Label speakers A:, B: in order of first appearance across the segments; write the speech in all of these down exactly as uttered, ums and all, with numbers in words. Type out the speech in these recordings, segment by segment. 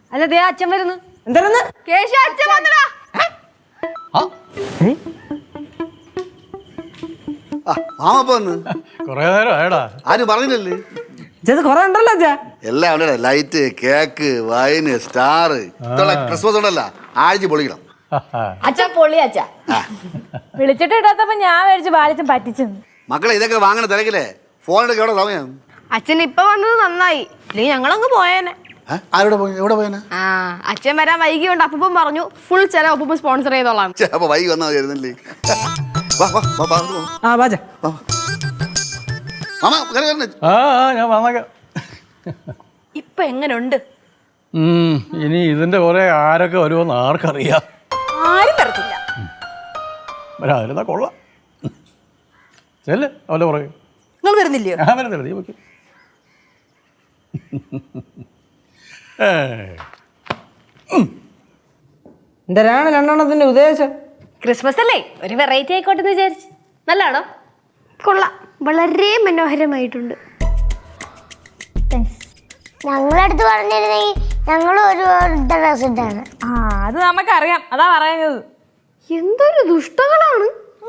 A: അല്ല ദേ അച്ഛൻ വരുന്നു.
B: എന്താണെന്ന്
A: കേശു അച്ഛൻ വന്നടാ.
C: മാമപ്പ വന്ന്
D: കൊറേ നേരം ആയടാ.
C: ആരും പറഞ്ഞില്ലല്ലേ?
B: ഇത് കൊറേ ഉണ്ടല്ലോ അച്ഛാ.
C: എല്ലാം ഉണ്ട്. ലൈറ്റ്, കേക്ക്, വൈന്, സ്റ്റാർ, ഇതുള്ള ക്രിസ്മസ് ഉണ്ടല്ലോ, ആഴ്ച പൊളിക്കണം.
A: അച്ഛൻ പൊള്ളി അച്ഛാ.
E: വിളിച്ചിട്ട് ഇടാത്തപ്പോ ഞാൻ മേടിച്ച് ബാലിച്ചും പറ്റിച്ചെന്ന്.
C: മക്കളെ ഇതൊക്കെ വാങ്ങണ തിരക്കില്ലേ? ഫോണിലൊക്കെ എവിടെ സമയം?
A: അച്ഛൻ ഇപ്പൊ വന്നത് നന്നായി, ഇല്ലെങ്കിൽ ഞങ്ങളങ്ങ് പോയേനെ.
C: ആരോടെ പോയി? എവിടെ പോയനാ?
A: ആ അച്ഛൻ വരാൻ വൈകിയുണ്ട്. അപ്പം പറഞ്ഞു ഫുൾ ചില ഒപ്പം സ്പോൺസർ ചെയ്തോളാം.
C: അപ്പൊ വൈകി വന്നാൽ മതിയായിരുന്നല്ലേ? വാ വാ വാ വാ വാ.
B: ആ ബാജ
C: വാ. മാമ കയറി വരണേ.
D: ആ ആ, ഞാൻ വന്നേക്കാം.
A: ഇപ്പൊ എങ്ങനുണ്ട്?
D: ഉം, ഇനി ഇതിന്റെ കുറെ ആരൊക്കെ വരുമെന്ന് ആർക്കറിയാം.
A: ആരും വരത്തില്ല.
D: വരാതിരുന്നാ കൊള്ളാം. ചെല്ല് അവന്റെ പുറകെ.
A: നിങ്ങൾ വരുന്നില്ലയോ?
D: ഞാൻ വരുന്നില്ല, നീ വെക്കും.
B: എന്തരാണ് രണ്ടെണ്ണത്തിന്റെ ഉദ്ദേശം?
A: ക്രിസ്മസ് അല്ലേ, ഒരു വെറൈറ്റി ആയിക്കോട്ടെ എന്ന് വിചാരിച്ചു. നല്ലാണോ? കൊള്ളാം, വളരെ മനോഹരമായിട്ടുണ്ട്.
F: ഞങ്ങളടുത്ത് പറഞ്ഞിരുന്നെങ്കിൽ ഞങ്ങൾ ഒരു ഡ്രസ് ഇട്ടാണ്.
E: ആ അത് നമുക്കറിയാം, അതാ പറയുന്നത്.
A: എന്തൊരു ദുഷ്ടകളാണ്.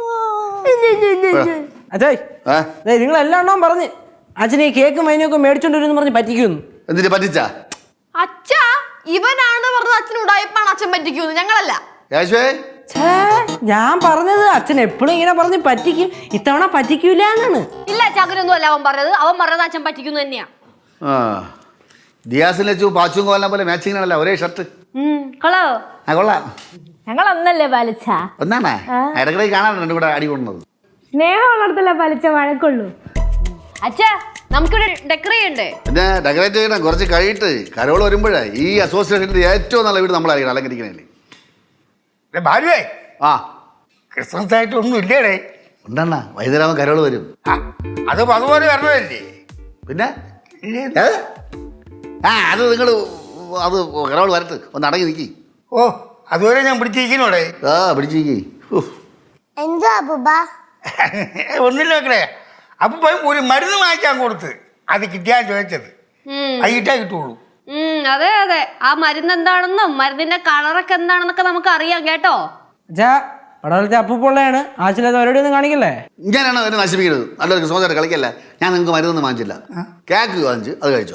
B: അച്ഛായി നിങ്ങൾ എല്ലാം എണ്ണം പറഞ്ഞ് അച്ഛനെ ഈ കേക്കും വൈനൊക്കെ മേടിച്ചോണ്ട് വരും പറഞ്ഞ് പറ്റിക്കുന്നു.
C: എന്തിനു പറ്റിച്ചാ?
A: അച്ഛാ ഇവനാണ് പറഞ്ഞത് അച്ഛൻ ഉടായിപ്പാണ് അച്ഛൻ പറ്റിക്കൂന്ന്, ഞങ്ങളല്ല.
C: യേശുവേ,
B: ഞാൻ പറഞ്ഞത് അച്ഛൻ എപ്പോഴും ഇങ്ങനെ പറഞ്ഞ് പറ്റിക്കും, ഇത്തവണ പറ്റിക്കൂല എന്നാണ്.
A: ഇല്ല ചകരൊന്നും അല്ല അവൻ പറഞ്ഞത്. അവൻ പറഞ്ഞത് അച്ഛൻ പറ്റിക്കുന്നു തന്നെയാ.
C: ആ ദിയാസിനെ വെച്ചു പാച്ചും കോലിനെ പോലെ മാച്ചിങ് ആണല്ലോ, ഒരേ ഷർട്ട്.
A: കൊള്ളോ?
C: ആ കൊള്ളാം.
E: ഞങ്ങൾ ഒന്നല്ലേ പാലിച്ച?
C: ഒന്നാണേ ഇടക്കിടക്ക് കാണാൻ രണ്ടും കൂടെ അടി കൊണ്ടത്.
E: സ്നേഹം ഉള്ളിടത്തല്ലേ പാലിച്ച വഴക്കുള്ളൂ.
A: അച്ഛാ നമുക്കിവിടെ ഡെക്കറേറ്റ് ചെയ്യണ്ടേ?
C: പിന്നെ ഡെക്കറേറ്റ് ചെയ്യണം. കുറച്ച് കഴിയിട്ട് കരോള് വരുമ്പോഴേ ഈ അസോസിയേഷൻ്റെ ഏറ്റവും നല്ല വീട് നമ്മളായിരിക്കണം അലങ്കരിക്കണേ.
G: ഭാര്യേ
C: ആ
G: ക്രിസ്മസ് ആയിട്ട് ഒന്നും ഇല്ലേടേ?
C: ഉണ്ടെണ്ണ വൈകുന്നേരം കരോള് വരും.
G: അത് അതുപോലെ വരണതല്ലേ?
C: പിന്നെ ഏ? ആ അത് നിങ്ങൾ അത് കരോള് വരട്ട്, ഒന്ന് അടങ്ങി നിൽക്കി.
G: ഓ അതുവരെ ഞാൻ പിടിച്ചിരിക്കണോടെ.
C: ആ പിടിച്ചിരിക്കി.
F: എന്തോ അപ്പൂപ്പ?
G: ഒന്നില്ല വെക്കണേ. അപ്പൊ പോയി ഒരു മരുന്ന് വാങ്ങിക്കാൻ കൊടുത്ത് അത് കിട്ടിയാ ചോദിച്ചത്. അയിട്ടാ കിട്ടുള്ളൂ.
A: അതെ അതെ, ആ മരുന്ന് എന്താണെന്നും മരുന്നിന്റെ കളറൊക്കെ എന്താണെന്നൊക്കെ നമുക്ക് അറിയാം കേട്ടോ.
B: അച്ഛാ പടവലത്തെ അപ്പൂപ്പൊള്ളയാണ്, ആവശ്യമില്ലാത്ത അവരോട് ഒന്നും കാണിക്കല്ലേ.
C: ഞാനാണ് എന്നെ നശിപ്പിക്കുന്നത്. നല്ലൊരു ക്രിസ്മസ് കളിക്കല്ല. ഞാൻ നിങ്ങൾക്ക് മരുന്നൊന്നും വാങ്ങിച്ചില്ല. കേക്ക് വാങ്ങിച്ച് അത് കഴിച്ചോ.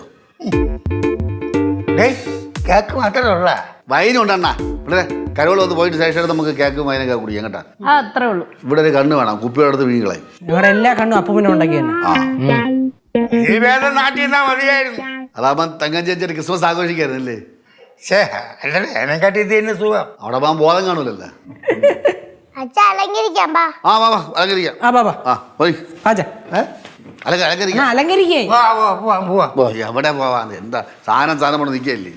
G: കേക്ക് മാത്രമേ ഉള്ള
C: വൈനും ഉണ്ടെണ്ണ. ഇവിടെ കരോള് വന്ന് പോയിട്ട് ശേഷം നമുക്ക് കേക്കും വൈനൊക്കെ കുടിക്കാം കേട്ടാ.
E: അത്രേ ഉള്ളൂ.
C: ഇവിടെ ഒരു കണ്ണ് വേണം, കുപ്പിയുടെ അടുത്ത് വീങ്ങളെ.
B: ഞങ്ങളുടെ എല്ലാ കണ്ണും അപ്പൂപ്പിനെ ഉണ്ടാക്കി തന്നെ.
G: ഈ വേദം നാട്ടിൽ നിന്നാ മതിയായിരുന്നു.
C: അതാകുമ്പം തങ്കം ചേച്ചിയുടെ ക്രിസ്മസ് ആഘോഷിക്കായിരുന്നല്ലേ?
G: ശേ അല്ലേ എന്നെക്കാട്ടി ഇത് തന്നെ സുഖം.
C: അവിടെ പോകാൻ ബോധം കാണൂലല്ലോ.
F: അച്ഛ അലങ്കരിക്കാം പാ.
C: ആ വാ വാ അലങ്കരിക്കാം.
B: ആ ബാബാ
C: ആ പോയി
B: പാച്ച
C: അലങ്ക അലങ്കരിക്കാം.
B: അലങ്കരിക്കേ.
G: പോവാ പോവാ പോവാ
C: ഓ എവിടെ പോവാൻ? എന്താ സാധനം സാധനം കൊണ്ട് നിൽക്കുകയല്ലേ?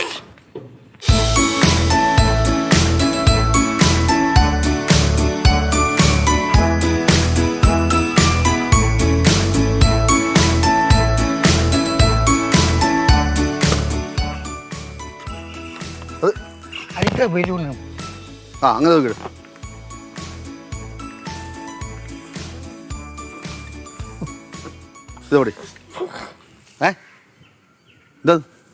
G: അടുത്ത ബലൂണ്.
C: ആ അങ്ങനെ നോക്കി. ഇതോടെ ഏ എന്താ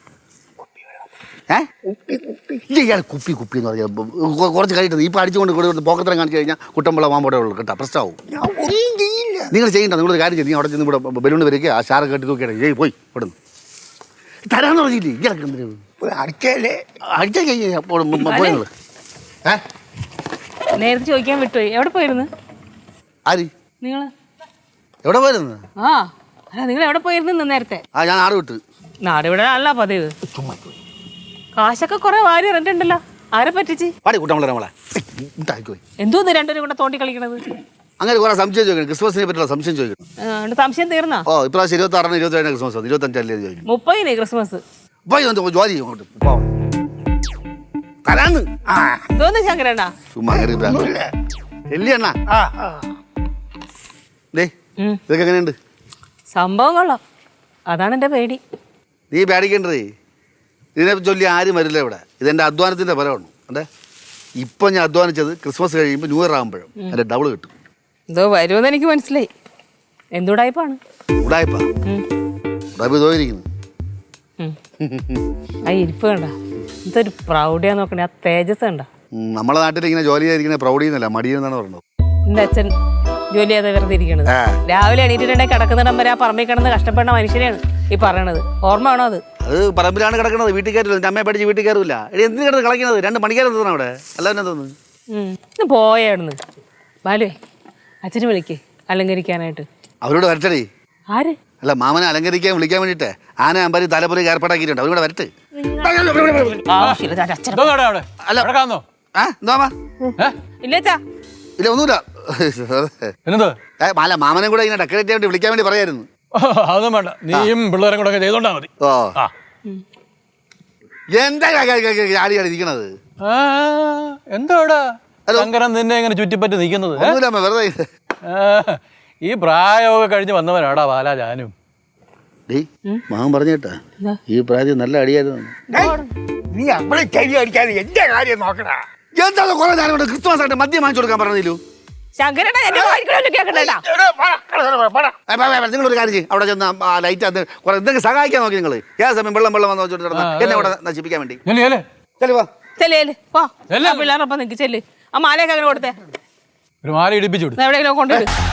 C: ഏ ഇയാൾ കുപ്പി കുപ്പി എന്ന് പറഞ്ഞാൽ കുറച്ച് കഴിയിട്ട് ഇപ്പം അടിച്ചുകൊണ്ട് കൂടെ പോക്കത്തരം കാണിച്ചു കഴിഞ്ഞാൽ കുട്ടമ്പള മാമ്പോടെ ഉള്ളു കേട്ടോ, പ്രശ്നമാവും. നിങ്ങൾ ചെയ്യണ്ട. നിങ്ങളൊരു കാര്യം ചെയ്യും, അവിടെ ചെന്ന് ഇവിടെ ബലൂണ് വരയ്ക്കുക, ആ ഷാറ് കെട്ടി നോക്കിയാണ് ഏയ് പോയി ഇവിടെ നിന്ന് തരാന്ന് പറഞ്ഞില്ലേ? ഇയാൾക്ക് എന്തിനാണ്
G: അടിച്ചല്ലേ?
C: അടിച്ചാൽ പോയി നിങ്ങൾ ഏ
E: നേരത്തെ ചോദിക്കാൻ വിട്ടുപോയി. എവിടെ പോയിരുന്നു
C: ആര്?
E: നിങ്ങള്?
C: എവിടെ പോയിരുന്നു?
E: ആ അല്ല നിങ്ങൾ എവിടെ പോയിരുന്നു നേരത്തെ?
C: ആ ഞാൻ നാട് വിട്ട്.
E: നാട് ഇവിടെ അല്ല പതിവ്. കാശൊക്കെ കുറെ വാരി ഇറങ്ങിട്ടുണ്ടല്ലോ. ആരെ പറ്റിച്ച്?
C: പാടി കുട്ടമ്പള നമ്മളെ ഉണ്ടാക്കിപ്പോയി.
E: എന്തോന്ന് രണ്ടുപേരും കൂടെ തോണ്ടി കളിക്കണത്?
C: അങ്ങനെ കുറെ സംശയം ചോദിക്കണം, ക്രിസ്മസിനെ പറ്റിയുള്ള സംശയം ചോദിക്കണം.
E: ആ, സംശയം തീർന്നാ?
C: ഓ ഇപ്രാവശ്യം ഇരുപത്തി ആറിന് ഇരുപത്തി ഏഴിന് ക്രിസ്മസ്, ഇരുപത്തഞ്ചല്ലേ ചോദിക്കണം.
E: മുപ്പതിന് ക്രിസ്മസ്.
C: പോയി വന്ന് ജോലി ചെയ്യും അങ്ങോട്ട് പോവാം തരാന്ന്.
G: ആ
E: എന്തോന്ന് ശങ്കരണ്ണ?
C: ചുമ്മാ എല്ലിയണ്ണ
G: ആ ആ.
C: ഡേ ഇതൊക്കെ എങ്ങനെയുണ്ട്?
E: സംഭവം കൊള്ളാം, അതാണ് എൻ്റെ പേടി.
C: നീ പേടിക്കേണ്ടതേ, ഇതിനെ ചൊല്ലി ആരും വരില്ല ഇവിടെ. ഇതെൻ്റെ അധ്വാനത്തിൻ്റെ ഫലമാണ്. അതെ ഇപ്പം ഞാൻ അധ്വാനിച്ചത് ക്രിസ്മസ് കഴിയുമ്പോൾ ന്യൂ ഇയർ ആകുമ്പോഴും അതിൻ്റെ ഡബിൾ കിട്ടും.
E: എന്തോ വരുമെന്ന് എനിക്ക് മനസ്സിലായി. എന്തുടായ്പാണ്?
C: ഉടായ്പാ ഉടായ്പ തോന്നിയിരിക്കുന്നു.
E: ആ ഇരിപ്പ് കണ്ട എന്തൊരു പ്രൗഢിയാ നോക്കണേ, ആ തേജസ് കണ്ട.
C: ഉം, നമ്മളെ നാട്ടിൽ ഇങ്ങനെ ജോലി ചെയ്തിരിക്കുന്ന പ്രൗഢിയെന്നല്ല മടിയെന്നാണ് പറയുന്നത്.
E: എന്റെ അച്ഛൻ ജോലി ചെയ്താൽ വെറുതെ ഇരിക്കണത്. രാവിലെ എണീറ്റിട്ടുണ്ടെങ്കിൽ കിടക്കുന്നിടം വരെ ആ പറമ്പിൽ കിടന്ന് കഷ്ടപ്പെടുന്ന മനുഷ്യനെയാണ് ഈ പറയണത്. ഓർമ്മ വേണോ അത്?
C: അത് പറമ്പിലാണ് കിടക്കുന്നത്, വീട്ടിൽ കയറില്ല. എൻ്റെ അമ്മയെ പഠിച്ച് വീട്ടിൽ കയറില്ല. എടി എന്തിനു കിടന്ന് കളിക്കുന്നത്? രണ്ട് മണിക്കാരം തോന്നുന്നു അവിടെ. അല്ലാതെ തോന്നുന്നു
E: ഇന്ന് പോയായിരുന്നു. ബാലുവേ, അച്ഛന് വിളിക്കേ അലങ്കരിക്കാനായിട്ട്.
C: അവരോട് വരട്ടടി.
E: ആര്?
C: അല്ല, മാമനെ അലങ്കരിക്കാൻ വിളിക്കാൻ വേണ്ടിയിട്ട് ആന അമ്പരി തലപ്പൊലി ഏർപ്പാടാക്കിയിട്ടുണ്ട്. അവരോട് വരട്ടെ.
E: ആവശ്യമില്ല അച്ഛൻ.
D: ഇതോടെ അവിടെ
C: അല്ല
D: കിടക്കാന്നോ?
C: ആ എന്താ
D: ഏ
E: ഇല്ലേച്ചാ
C: ഇല്ല ഒന്നുമില്ല.
D: എന്നത്
C: ഏ, അല്ല മാമനെ കൂടെ ഇങ്ങനെ ഡെക്കറേറ്റ് ചെയ്യാൻ വേണ്ടി വിളിക്കാൻ വേണ്ടി പറയായിരുന്നു.
D: അതൊന്നും വേണ്ട, നീയും പിള്ളേരും കൂടെ ഒക്കെ ചെയ്തോണ്ടാ മതി.
C: ഓ
D: ആ
C: എന്താ ആടിയാണ് ഇരിക്കണത്?
D: ആ, എന്താടാ ശങ്കരൻ നിന്നെ ഇങ്ങനെ ചുറ്റിപ്പറ്റി നിൽക്കുന്നത്?
C: ഒന്നുമില്ല അമ്മ, വെറുതെ.
D: ഈ പ്രായമൊക്കെ കഴിഞ്ഞ് വന്നവനാടാ ബാലാ ജാനും.
C: ഡേ മാമൻ പറഞ്ഞേട്ടാ, ഈ പ്രായത്തിൽ നല്ല അടിയായിരുന്നു.
G: നീ അവളെ ചെവി അടിക്കാതെ എന്റെ കാര്യം നോക്കടാ.
C: എന്താ കുറെ നേരം കൊണ്ട് ക്രിസ്മസ് ആയിട്ട് മദ്യം വാങ്ങിച്ചു കൊടുക്കാൻ പറഞ്ഞില്ലു?
E: ശങ്കരേട്ടാ എന്റെ വായിക്കണമല്ലോ കേൾക്കണ്ടേട്ടാ.
C: നിങ്ങളൊരു കാര്യം ചെയ്യും, അവിടെ ചെന്ന് ആ ലൈറ്റ് അത് കുറെ എന്തെങ്കിലും സഹായിക്കാൻ നോക്കി നിങ്ങൾ. ഏത് സമയം വെള്ളം വെള്ളം വന്ന് വെച്ചോട്ട് കിടന്ന് എന്നെ അവിടെ നശിപ്പിക്കാൻ വേണ്ടി. ചെല്ലു വാ.
E: ചെല്ലേ വാ, പിള്ളേരൊപ്പം നിൽക്ക് ചെല്ല്. ആ മാലയൊക്കെ അങ്ങനെ കൊടുത്തേ,
D: ഒരു മാല ഇടിപ്പിച്ചു വിടും.
E: എവിടെയെങ്കിലും കൊണ്ടുവിടും.